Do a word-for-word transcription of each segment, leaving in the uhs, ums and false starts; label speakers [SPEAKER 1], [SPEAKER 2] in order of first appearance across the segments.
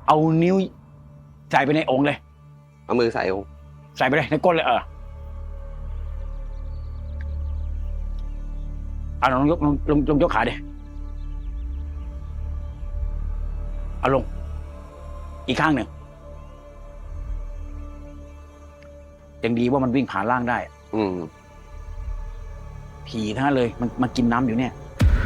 [SPEAKER 1] เอานิ้วใส่ไปในองค์เลย
[SPEAKER 2] เอามือใส่องค์
[SPEAKER 1] ใส่ไปเลยในก้นเลยเออเอาลองยกลงลงลงยกขาดิเอาลงอีกข้างหนึ่งยังดีว่ามันวิ่งผ่านล่างได้
[SPEAKER 2] อืม
[SPEAKER 1] ผีทั้งนั้นเลยมันมันกินน้ำอยู่เนี่ย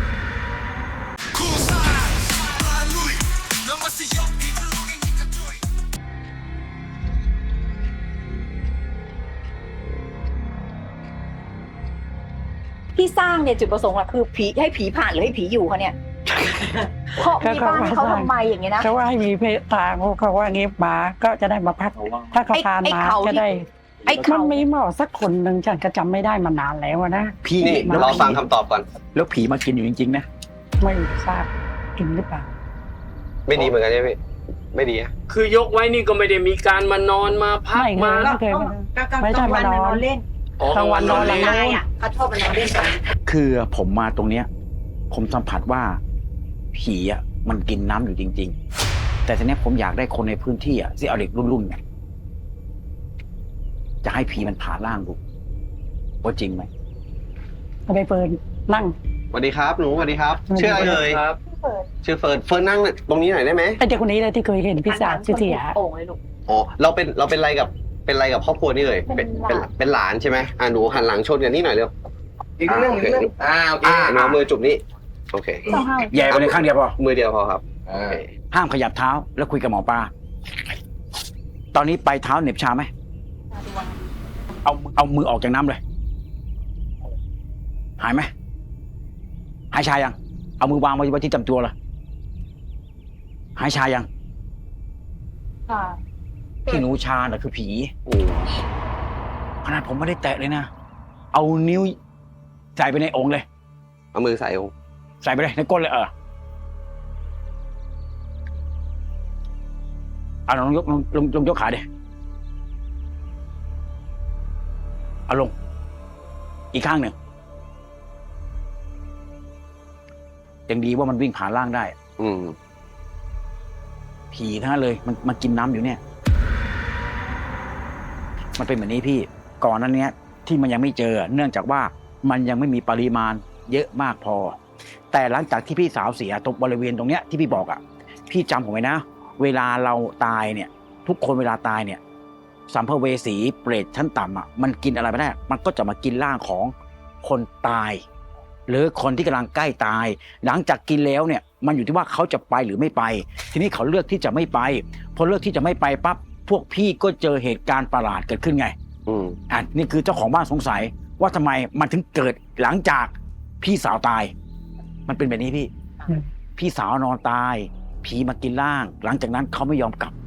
[SPEAKER 3] ที่สร้างเนี่ยจุดประสงค์อะคือผีให้ผีผ่านหรือให้ผีอยู่คะเนี่ยเพราะมีบ้านให้เขาทำไมอย่างเงี้ยนะ
[SPEAKER 4] เขาว่าให้มีเพศทางเขาว่างี้หมาก็จะได้มาพักถ้าเขาทานมาจะได้
[SPEAKER 3] ไอ้
[SPEAKER 4] มันมีหมอสักคนหนึ่งฉันก็จำไม่ได้มานานแล้วนะ
[SPEAKER 1] พี่
[SPEAKER 2] นี่เราฟังคำตอบก่อน
[SPEAKER 1] แล้วผีมากินอยู่จริงๆนะ
[SPEAKER 4] ไม่ทราบกินหรือเปล่า
[SPEAKER 2] ไม่ดีเหมือนกันใช่ไหมไม่ดีอะ
[SPEAKER 5] คือยกไว้นี่ก็ไม่ได้มีการมานอนมาพักมา
[SPEAKER 4] ไม่เคยไม่ใช่มานอน
[SPEAKER 3] เล่น
[SPEAKER 4] กลางวันนอนหลัง
[SPEAKER 3] นายอ่ะเขาชอบมานอนเล่นกัน
[SPEAKER 1] คือผมมาตรงเนี้ยผมสัมผัสว่าผีอ่ะมันกินน้ำอยู่จริงๆแต่ทีนี้ผมอยากได้คนในพื้นที่อ่ะที่เอาเด็กรุ่นๆเนี่ยจะให้ผีมันผ่าร่างดูว่าจริงไหม
[SPEAKER 4] ไปเปิดนั่ง
[SPEAKER 2] สวัสดีครับหนูสวัสดีครับชื่ออะไรเลย
[SPEAKER 5] ครับ
[SPEAKER 2] ชื่อเฟิร์นเฟิร์นนั่งตรงนี้หน่อยได้ไหม
[SPEAKER 4] ไอ้เด็กคนนี้เลยที่เคยเห็นพี่สาวชื่อเสีย
[SPEAKER 3] โอ่งเลยลูก
[SPEAKER 2] อ๋อเราเป็นเราเป็นอะไรกับเป็นอะไรกับครอบครัวนี่เลยเป็นเป็นเป็นหลานใช่ไหมอ่าหนูหันหลังชนกันนี่หน่อยเร็ว
[SPEAKER 5] อีกเรื่องอีกเรื่องอ่าโอเค
[SPEAKER 2] หนูมือจุบนี่โอเค
[SPEAKER 1] แย่ไปเลยข้างเดียวพอ
[SPEAKER 2] มือเดียวพอครับ
[SPEAKER 1] ห้ามขยับเท้าแล้วคุยกับหมอปลาตอนนี้ไปเท้าเหน็บชาไหมเอาเอามือออกจากน้ำเลยหายไหมหายชายังเอามือวางไว้ที่จำตัวเลยหายชายังที่หนูชาน่ะคือผีขนาดผมไม่ได้แตะเลยนะเอานิ้วใส่ไปในองค์เลย
[SPEAKER 2] เอามือใส่องค์
[SPEAKER 1] ใส่ไปเลยในก้นเลยเออเอาลองยกลงลงลงยกขาดิเอาลงอีกข้างหนึ่งยังดีว่ามันวิ่งผ่านล่างได้
[SPEAKER 2] อืม
[SPEAKER 1] ผีทั้งนั้นเลยมันมันกินน้ำอยู่เนี่ยมันเป็นแบบนี้พี่ก่อนนั้นเนี้ยที่มันยังไม่เจอเนื่องจากว่ามันยังไม่มีปริมาณเยอะมากพอแต่หลังจากที่พี่สาวเสียตรงบริเวณตรงเนี้ยที่พี่บอกอ่ะพี่จำผมไว้นะเวลาเราตายเนี่ยทุกคนเวลาตายเนี่ยสัมภเวสีเปรตชั้นต่ำอ่ะมันกินอะไรไม่ได้มันก็จะมากินร่างของคนตายหรือคนที่กำลังใกล้ตายหลังจากกินแล้วเนี่ยมันอยู่ที่ว่าเขาจะไปหรือไม่ไปทีนี้เขาเลือกที่จะไม่ไปพอเลือกที่จะไม่ไปปั๊บพวกพี่ก็เจอเหตุการณ์ประหลาดเกิดขึ้นไง
[SPEAKER 2] อืม
[SPEAKER 1] อ่ะนี่คือเจ้าของบ้านสงสัยว่าทำไมมันถึงเกิดหลังจากพี่สาวตายมันเป็นแบบนี้พี่พี่สาวนอนตายผีมากินร่างหลังจากนั้นเขาไม่ยอมกลับ